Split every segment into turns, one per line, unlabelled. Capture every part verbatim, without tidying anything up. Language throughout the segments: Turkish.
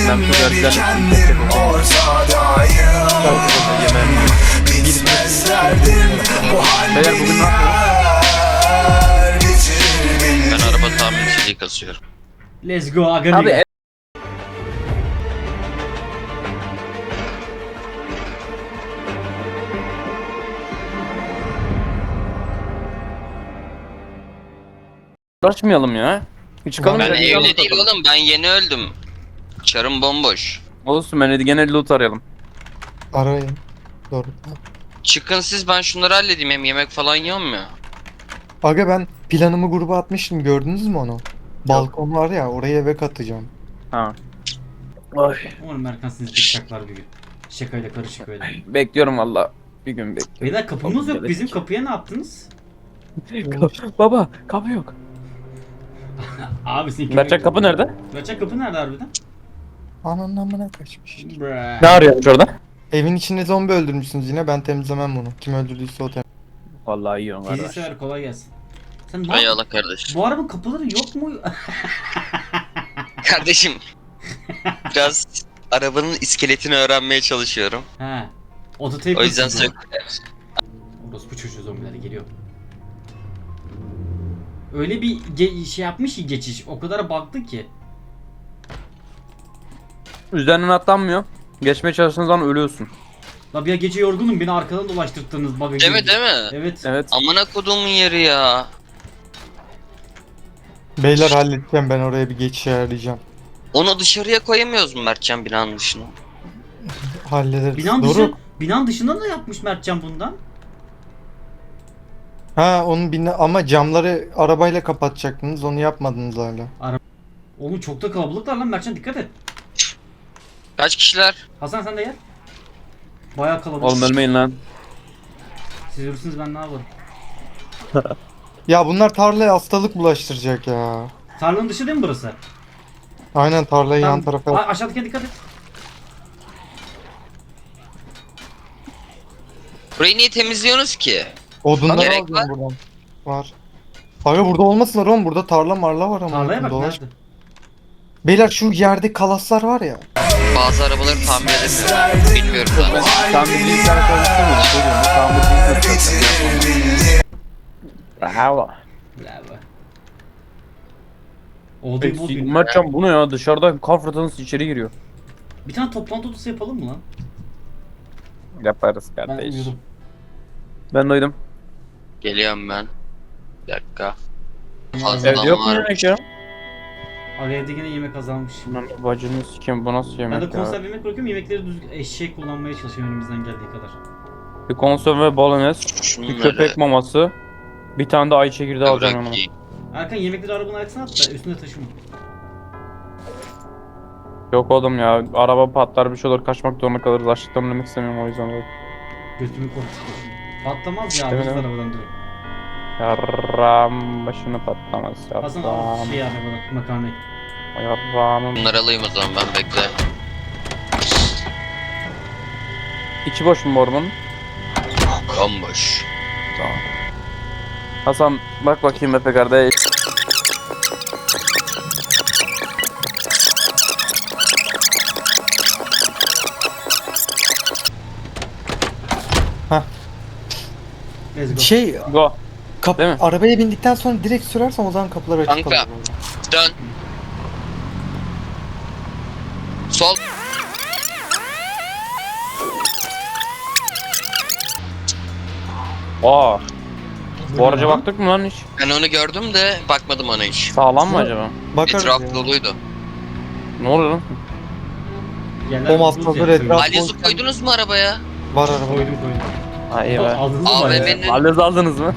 kendim ortadayım. Bitmez derdim bu
Beyler bugün ne
haller bitir
Ben araba tamirciliği kasıyorum.
Let's go aga.
Abi e- uğraşmayalım ya. Bir çıkalım.
Ben
da bir
evli
yalnız
değil
takalım.
oğlum, ben yeni öldüm. Çarım bomboş.
Olsun, ben hadi gene loot arayalım.
Arayın. Doğru.
Çıkın siz, ben şunları halledeyim, hem yemek falan yiyorum ya.
Aga ben planımı gruba atmıştım, gördünüz mü onu? Balkon var ya, oraya eve katacağım.
Ha. Ay.
Umarım Erkan sizi bıçaklar bir gün. Şakayla karışık öyle.
Bekliyorum valla. Bir gün bekliyorum.
Beyler kapımız yok. Bizim kapıya ne yaptınız?
Baba kapı yok.
Abi senin
Mertcan kapı nerede?
Mertcan kapı nerede harbiden?
Ananın amına kaçmış.
Bruh.
Ne arıyormuş orada?
Evin içinde zombi öldürmüşsünüz yine, ben temizlemem bunu. Kim öldürdüyse o tem.
Vallahi iyi on
Teyze
kardeş.
sever, kolay gelsin. Sen bu,
Hay Allah kardeş.
bu arabanın kapıları yok mu?
Kardeşim. Biraz arabanın iskeletini öğrenmeye çalışıyorum.
He. Ototape
O yüzden
nasıl?
söktüler.
Orospu çocuğu zombileri geliyor. Öyle bir ge- şey yapmış ki geçiş. O kadar baktı ki.
Üzerinden atlanmıyor. Geçmeye çalıştığın zaman ölüyorsun.
La bir gece yorgunum, beni arkadan dolaştırdınız bug'a.
Değil mi, değil mi?
Evet.
Evet.
Amına koduğumun yeri ya.
Beyler halledeceğim, ben oraya bir geçiş ayarlayacağım.
Onu dışarıya koyamıyoruz mu Mertcan, binanın dışına?
Hallederiz.
Binan dışı,
Doruk.
binan dışında da yapmış Mertcan bundan.
Ha onun bina ama camları arabayla kapatacaktınız, onu yapmadınız hala.
Oğlum çok da kalabalıklar lan Mertcan, dikkat et.
Kaç kişiler?
Hasan sen de gel. Bayağı kalabalık.
Oğlum ölmeyin lan.
Siz ölürsünüz, ben ne yaparım?
Ya bunlar tarlaya hastalık bulaştıracak ya.
Tarlanın dışı değil mi burası?
Aynen, tarlayı yan
Tamam.
tarafa.
A- aşağıdakine dikkat et.
Burayı niye temizliyorsunuz ki?
Odunları
Gerek
alacağım buradan. Var. Abi burada olmasınlar oğlum, burada tarla marla var ama.
Tarlaya bak
dolaş.
nerede?
Beyler şu yerde kalaslar var ya.
Bazı arabaları tamir edemiyorum. Bilmiyorum zaten.
Tamirciyi bir tane konuştum. Söylüyorum. Tamirciyi konuştum. Bravo.
Bravo. Odayı bul bir.
Mertcan bu ne ya? Dışarıda kar fırtınası içeri giriyor.
Bir tane toplantı odası yapalım mı lan?
Yaparız
Ben
kardeş.
uyudum.
Ben doydum.
Geliyorum ben. Bir dakika. Fazla
Evde yok mu
var.
yemek ya?
Abi evde yine yemek azalmış.
Lan bacını sikeyim, bu nasıl
Ben
yemek
de
ya?
konserve yemek bırakıyorum, yemekleri düzgün eşek kullanmaya çalışıyorum elimizden geldiği kadar.
Bir konserve bolognese, bir
Şunları
köpek maması, bir tane de ay çekirdeği alacağım yanıma.
bırakayım.
Erkan yemekleri arabanın arkasına at da üstüne taşıma.
Yok oğlum ya, araba patlar bir şey olur, kaçmak zorunda kalırız. Açlıktan ölmek istemiyorum o yüzden öyle.
Götümü korkutuyor. Patlamaz ya,
İşte
alırız
benim-
arabadan direkt.
Yarram başını patlamaz
Hasan al
yarram.
şey arabadan, makarnayı.
Yarramım.
Bunları alayım o zaman, ben bekle.
İçi boş mu borbanın?
Bomboş.
Tamam. Hasan bak bakayım Efe kardeş.
Let's go.
Şey,
Go.
kap
Değil mi?
arabaya bindikten sonra direkt sürersen o zaman kapılar açık
Kanka.
kalır.
Dön. Sol.
Aa, bu araca
lan?
baktık mı lan hiç?
Ben onu gördüm de bakmadım ona hiç.
Sağlam mı acaba?
Bakarız
Etraf
ya.
doluydu.
Ne oluyor lan?
Yerler
O
buz
masrafları
yapıyor.
etraf-
Alyozu koydunuz mu arabaya?
Var araba.
Koydum koydum.
Ha iyi be.
Aldınız mı
A V
bayağı?
M'nin
Hallediniz aldınız mı?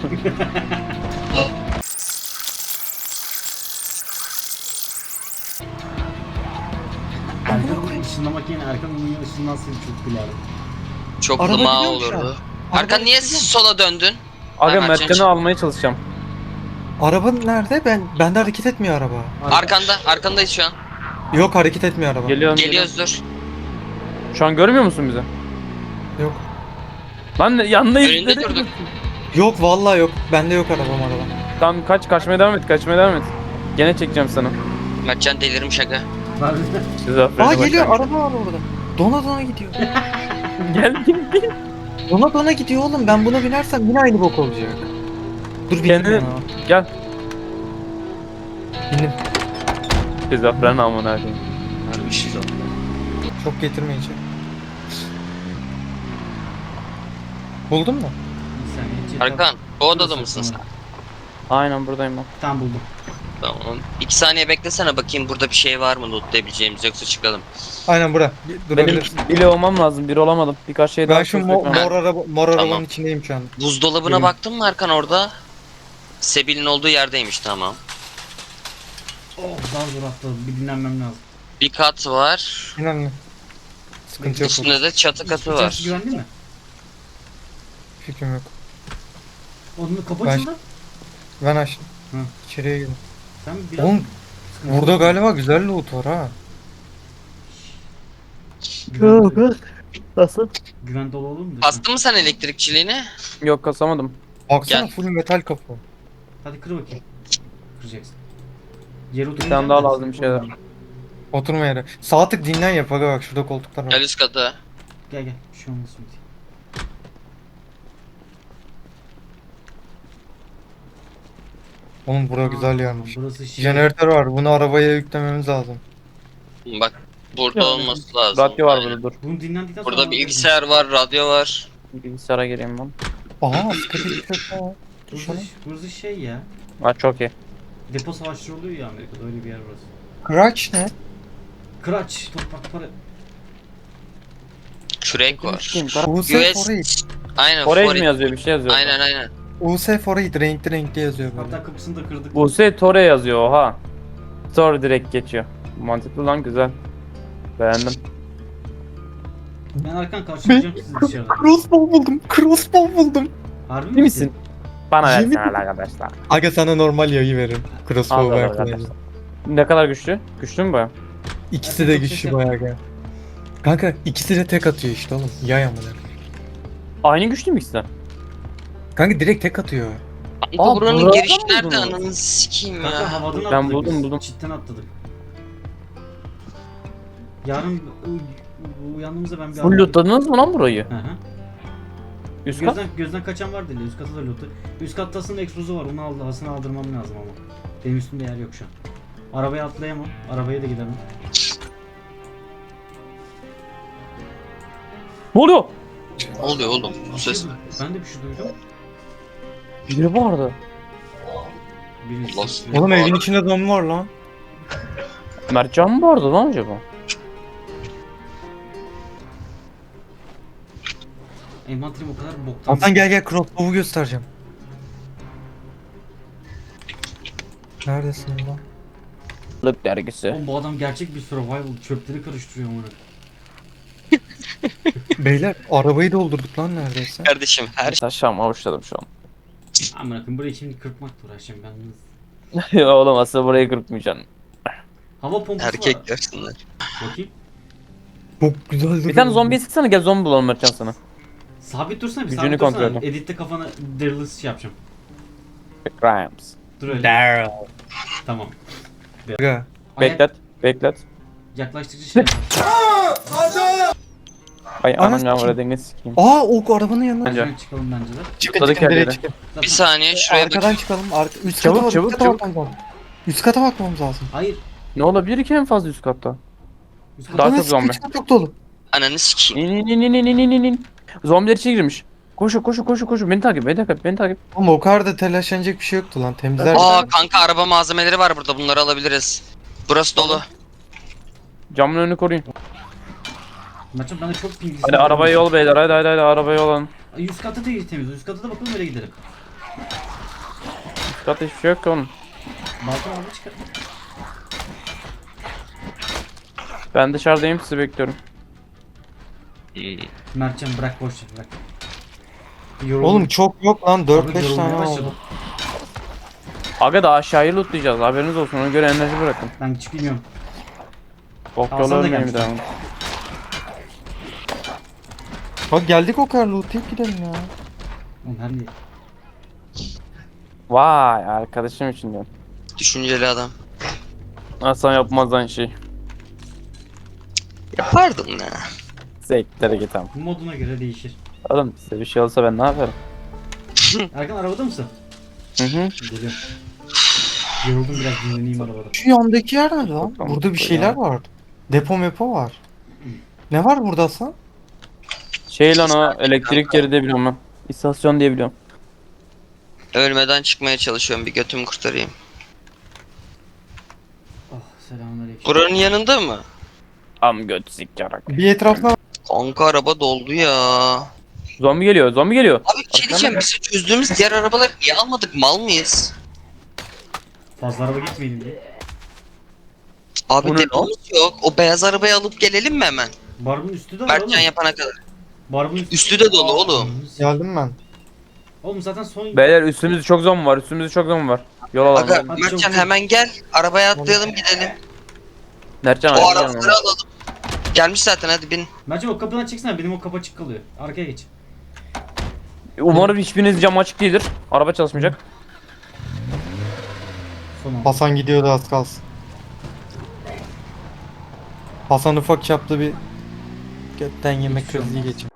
Erkan ışınlamak yerine Erkan onun ışınlansın çok gülerdim.
çoklu
Araba
mağ
gidiyormuş
olurdu.
ya.
Erkan
Araba
niye
gidiyor.
sola döndün?
Aga
Hemen
Mertcan'ı
çek.
almaya çalışacağım.
Araba nerede? Ben bende hareket etmiyor araba.
Arkanda, arkandayız şu an.
Yok, hareket etmiyor araba.
Geliyorum.
Geliyoruz dur.
geliyorum. Şu an görmüyor musun bizi?
Yok.
Lan yanındayız.
Önünde
nereye
durduk.
gidiyorsun?
Yok vallahi yok. Bende yok arabam araba.
Tamam kaç, kaçmaya devam et, kaçmaya devam et. Gene çekeceğim sana.
Mertcan delirmiş aga.
Harbiden.
Şizofreni
Aa geliyor
başlangıç.
araba var orada. Dona dona gidiyor.
Gel gel gel.
Dona dona gidiyor oğlum. Ben buna binersem yine aynı bok olacak. Dur bindim
Kendini-
ya.
Gel.
Bindim.
Şizofren amına koyayım.
Harbi şizofren.
Çok getirmeyeceğim. Buldun mu?
Bir saniye. cidden-
Arkan, bu odada
Burası
mısın sen?
sanırım.
Aynen buradayım ben.
Tamam buldum.
Tamam. İki saniye beklesene bakayım burada bir şey var mı lootlayabileceğimiz yoksa çıkalım.
Aynen bura. Bir-
Benim
Durabilirsin.
bile olmam lazım. Bir olamadım. Birkaç şey daha
Ben şu mo-
çözmek lazım.
mor, araba, mor
Tamam.
arabanın içindeyim şu an.
Buzdolabına
Benim-
baktın mı Arkan orada? Sebil'in olduğu yerdeymiş tamam.
Oh daha zor atladım. Bir dinlenmem lazım.
Bir kat var.
İnan sıkıntı yok.
Üstünde de çatı katı
İçerisi
var.
güvenli mi?
Fikrim yok.
Onun kapı
Ben-
açıldı.
Ben açtım.
Hı.
İçeriye girdim.
Sen biraz...
Oğlum
sıkıntı
burada
yok.
galiba güzel loot var ha.
Güven,
Nasıl?
güven dolu olur mu?
Bastın mı sen elektrikçiliğini?
Yok kasamadım.
Baksana
Gel.
full metal kapı.
Hadi kır bakayım. Kıracaksın. Yer
Bir tane daha lazım bir şeyler.
Oturma yere. Sağ tık dinlen yap aga bak şurada koltuklar var.
Gel üst katı.
Gel gel. Bir şey olmasın. Hadi.
Oğlum bura
Aa,
güzel yermiş.
Burası şey.
Jeneratör var. Bunu arabaya yüklememiz lazım.
Bak burada
Yani,
olması lazım.
Radyo var
Aynen.
burada dur.
Bunu dinlendikten sonra...
Burada bilgisayar var, radyo var.
Bilgisayara gireyim ben.
Aha sıkıntı bir şey var.
Burası,
Şunu.
burası şey ya.
Ha çok iyi.
Depo savaşları oluyor ya Amerika'da öyle bir yer burası.
Crutch ne?
Kıraç, toprak para.
Kürek var.
Kim? Kara-
U S
U S
Foreign.
Aynen
Forage
Forage.
mi yazıyor? Bir şey yazıyor.
Aynen aynen.
U S Foreign renkli renkli yazıyor böyle.
Hatta kapısını da kırdık.
Buse Tore yazıyor oha. Store direkt geçiyor. Mantıklı lan güzel. Beğendim.
Ben arkan karşılayacağım sizi dışarıda.
Crossbow buldum. Crossbow buldum.
Harbi
İyi misin? Bana
Yemin-
versene arkadaşlar.
Aga sana normal yayı veririm.
Al
Crossbow
al
ver
arkadaşlar. Ne kadar güçlü? Güçlü mü baya?
İkisi de
Çok
güçlü
ses
bayağı aga. Kanka ikisi de tek atıyor işte oğlum. Yay amına.
Aynı güçlü mü ikisi de?
Kanka direkt tek atıyor.
Bu
Aa,
buranın
burada
girişi
mı
nerede
buldunuz?
ananı sikeyim
Kanka
ya.
havadan
Ben
atladık
buldum,
biz.
buldum.
Çitten atladık. Yarın u- uyandığımızda ben bir
Full lootladınız mı lan burayı?
Hı hı.
Üst kat?
Gözden, gözden kaçan var değil. Üst katta da lootu. Üst katta aslında egzozu var. Onu aldı, havasını aldırmam lazım ama. Benim üstümde yer yok şu an. Arabaya atlayamam. Arabaya da gidemem.
Ne oluyor?
Ne oluyor oğlum? Bu ses.
Ben de bir şey duydum.
Biri vardı.
Birisi.
Lost.
Oğlum evin içinde zombi var lan.
Mertcan mı vardı lan acaba?
Envanterim o kadar boktan.
Hasan gel gel crossbow'u göstereceğim. Neredesin lan?
Lık dergisi.
Oğlum bu adam gerçek bir survival. Çöpleri karıştırıyor onu.
Beyler arabayı doldurduk lan neredeyse.
Kardeşim her şey.
Taşağımı avuçladım şu an.
Aman akım burayı şimdi kırpmakla uğraşacağım ben.
Oğlum aslında burayı kırpmayacaksın.
Hava pompası
Erkek
var.
görsünler.
Bakayım.
Çok güzel duruyor.
Bir tane zombiye sıksana gel zombi bulalım Mertcan sana.
Sabit dursana bir
Gücünü
sabit
kontrol
dursana.
edin.
Editte kafana Daryl'ı şey yapacağım.
Crimes.
Dur öyle.
Daryl.
Tamam.
Aga.
Ayak-
Beklet. Beklet.
Yaklaştıkça şey yapar.
Ay
Anasını
anam ya
kim?
buraya dengesi sikeyim.
Aa o arabanın yanına.
Bence.
Şuradan çıkalım bence de.
Çıkın
Tadı
çıkın direkt
kendine.
çıkın.
Zaten-
Bir saniye şuraya
Arkadan
bak.
çıkalım. Arka, üst
Çabuk,
kata,
çabuk,
üst kata
çabuk.
bakmamız lazım. Üst kata bakmamız lazım.
Hayır.
Ne olabilir ki en fazla üst katta?
Üst
Daha
kata-
çok zombi.
Üst kat çok dolu.
Ananı sikeyim.
İn in in in in in in in. Zombiler içeri girmiş. Koşu koşu koşu koşu beni takip beni takip beni takip.
Ama o kadar da telaşlanacak bir şey yoktu lan. Temizler.
Aa kanka araba malzemeleri var burada bunları alabiliriz. Burası dolu.
Camın önünü koruyun.
Maçım bende çok pingli.
Hadi arabaya yol beyler hadi hadi hadi arabaya yol alın.
Üst katı da iyi temiz. Üst katı da bakalım öyle gidelim.
Üst katta hiçbir şey yok ki oğlum.
Balkon araba çıkar.
Ben dışarıdayım sizi bekliyorum.
Mertcan bırak boş ver bırak. Yoruldum.
Oğlum çok yok lan.
Abi
dört beş
yorulmaya
tane
başladım.
oldu.
Aga da aşağıyı lootlayacağız haberiniz olsun ona göre enerji bırakın.
Ben hiç bilmiyorum.
Bok
Hasan
yolu
da
ölmeyin bir
gelmiş.
daha.
Bak geldik o kadar lootlayıp gidelim ya.
Oğlum her ne?
Vay arkadaşım için diyorum.
Düşünceli adam.
Hasan yapmaz lan şey.
Yapardım ne?
Zevkleri git ama.
Moduna göre değişir.
Oğlum size bir şey olsa ben ne yaparım?
Erkan arabada mısın?
Hı hı.
Geliyorum. Yoruldum biraz dinleneyim arabada.
Şu yandaki yer ne lan?
Bakalım,
Burada bir şeyler
ya.
var. Depo mepo var. Ne var burada Hasan?
Şey lan o elektrik yeri diye biliyorum ben. İstasyon diye biliyorum.
Ölmeden çıkmaya çalışıyorum, bir götümü kurtarayım.
Oh selamünaleyküm.
Buranın yanında mı?
Am göt sikyarak.
Bir etrafına
Kanka araba doldu ya.
Zombi geliyor, zombi geliyor.
Abi bir şey diyeceğim, biz çözdüğümüz diğer arabaları niye almadık, mal mıyız?
Fazla araba gitmeyelim diye.
Abi
Bunu-
demomuz yok. O beyaz arabayı alıp gelelim mi hemen?
Barbun üstü de var oğlum.
Mertcan yapana kadar.
Barbun üstü.
Üstü de dolu oğlum.
geldim ben.
Oğlum zaten son...
Beyler üstümüzde çok zombi var, üstümüzde çok zombi var. Yol alalım.
Aga
Hadi
Mertcan
çabuk.
hemen gel. Arabaya atlayalım gidelim.
Mertcan
O
abi.
arabaları alalım. Gelmiş zaten, hadi bin.
Mertcan o kapıdan çıksana, benim o kapı açık kalıyor. Arkaya geç.
Umarım hiçbiriniz cam açık değildir. Araba çalışmayacak.
Son an.
Hasan gidiyordu az kalsın. Hasan ufak çaplı bir götten yemek
Hiçbir şey
krizi
olmaz.
geçirdi.